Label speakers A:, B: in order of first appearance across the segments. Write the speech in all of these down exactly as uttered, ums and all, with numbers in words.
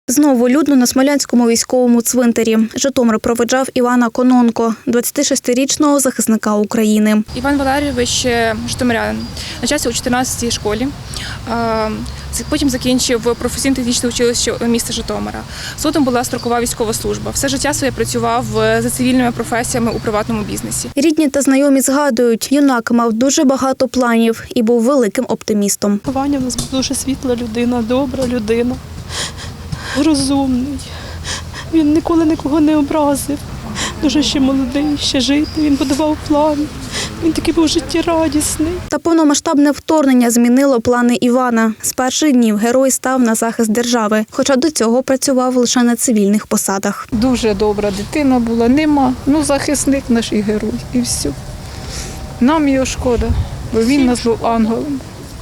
A: Знову людно на Смолянському військовому цвинтарі. Житомир проведжав Івана Кононко, двадцятишестирічного захисника України.
B: Іван Валерійович – житомирянин, навчався у чотирнадцятій школі, потім закінчив професійно-технічне училище міста Житомира. Згодом була строкова військова служба. Все життя своє працював за цивільними професіями у приватному бізнесі.
A: Рідні та знайомі згадують, юнак мав дуже багато планів і був великим оптимістом.
C: Ваня в нас дуже світла людина, добра людина, розумний. Він ніколи нікого не образив. Дуже ще молодий, ще жити. Він будував плани. Він такий був життєрадісний.
A: Та повномасштабне вторгнення змінило плани Івана. З перших днів герой став на захист держави, хоча до цього працював лише на цивільних посадах.
D: Дуже добра дитина була, нема. Ну, захисник наш і герой, і все. Нам його шкода, бо він нас був ангелом.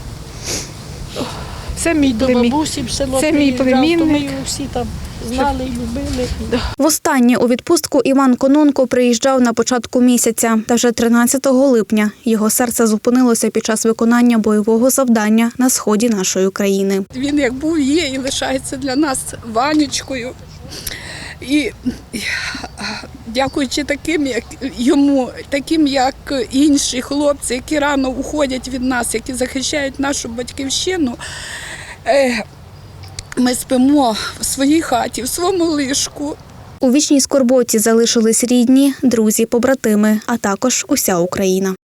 D: Це мій племінник. Це мій племінник.
C: Всі там знали, любили.
A: Востаннє у відпустку Іван Кононко приїжджав на початку місяця. Та вже тринадцятого липня його серце зупинилося під час виконання бойового завдання на сході нашої країни.
E: Він як був, є і лишається для нас Ванечкою. І дякуючи таким, як йому, таким, як інші хлопці, які рано уходять від нас, які захищають нашу батьківщину, ми спимо в своїй хаті, в своєму ліжку.
A: У вічній скорботі залишились рідні, друзі, побратими, а також уся Україна.